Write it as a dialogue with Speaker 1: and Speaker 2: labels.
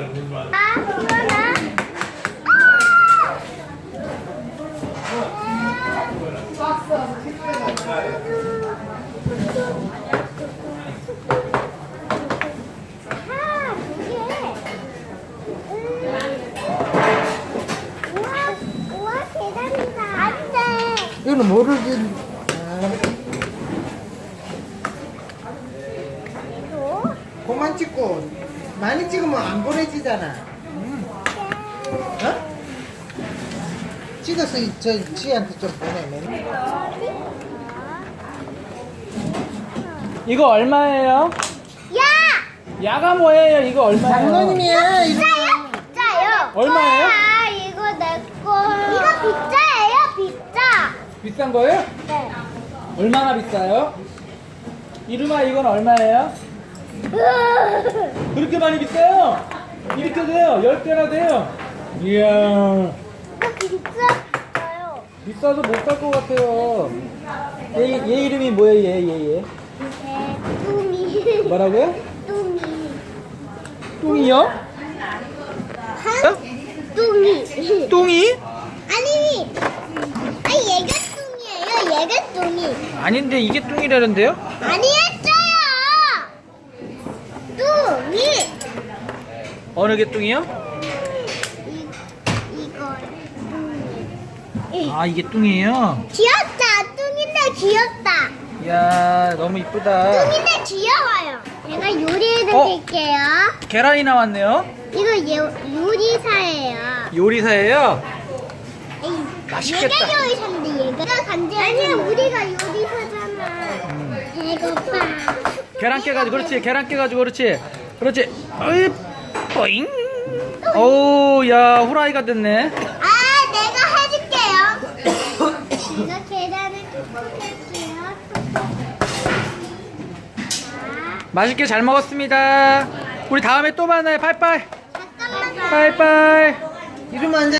Speaker 1: 우와, 계단이다. 안 돼.
Speaker 2: 이거는 모르지.
Speaker 1: 또?
Speaker 2: 그만 찍고 많이 찍으면 안 보내지잖아. 어? 찍어서 저 지한테 좀 보내면.
Speaker 3: 이거 얼마예요?
Speaker 1: 야!
Speaker 3: 야가 뭐예요? 이거 얼마예요?
Speaker 2: 장모님이야. 이거.
Speaker 1: 비싸요.
Speaker 3: 얼마예요?
Speaker 1: 아, 이거 내 거. 이거 비싸예요, 비싸.
Speaker 3: 비싼 거예요?
Speaker 1: 네.
Speaker 3: 얼마나 비싸요? 이름아 이건 얼마예요? 그렇게 많이 비싸요? 이렇게 돼요. 10개나 돼요. 이야,
Speaker 1: 이거 비싸요.
Speaker 3: 비싸서 못 살 것 같아요. 얘 이름이 뭐예요? 얘.
Speaker 1: 네, 뚱이.
Speaker 3: 뭐라고요?
Speaker 1: 뚱이.
Speaker 3: 뚱이요?
Speaker 1: 뚱이.
Speaker 3: 뚱이?
Speaker 1: 아니, 얘가 뚱이에요. 얘가 뚱이.
Speaker 3: 아닌데 이게 뚱이라는데요?
Speaker 1: 아니 했어요. 뚱이.
Speaker 3: 어느 게 뚱이요?
Speaker 1: 이거 뚱이.
Speaker 3: 아 이게 뚱이에요?
Speaker 1: 귀엽다. 뚱인데 귀엽다.
Speaker 3: 이야 너무 이쁘다.
Speaker 1: 뚱인데 귀여워요. 제가 요리해
Speaker 3: 어?
Speaker 1: 드릴게요.
Speaker 3: 계란이 나왔네요.
Speaker 1: 이거 요리사예요.
Speaker 3: 요리사예요?
Speaker 1: 에이,
Speaker 3: 맛있겠다.
Speaker 1: 얘가 요리사인데 얘가 간지 아니야. 우리가 요리사잖아. 배고파.
Speaker 3: 계란 깨가지고 그렇지. 계란 깨가지고 그렇지. 어이 뿌잉. 오야 후라이가 됐네.
Speaker 1: 아, 내가 해줄게요. 제가 계란을 톡톡 할게요.
Speaker 3: 맛있게 잘 먹었습니다. 우리 다음에 또 만나요. 빠이빠이.
Speaker 1: 잠깐만.
Speaker 3: 빠이빠이.
Speaker 2: 이러면 안 돼.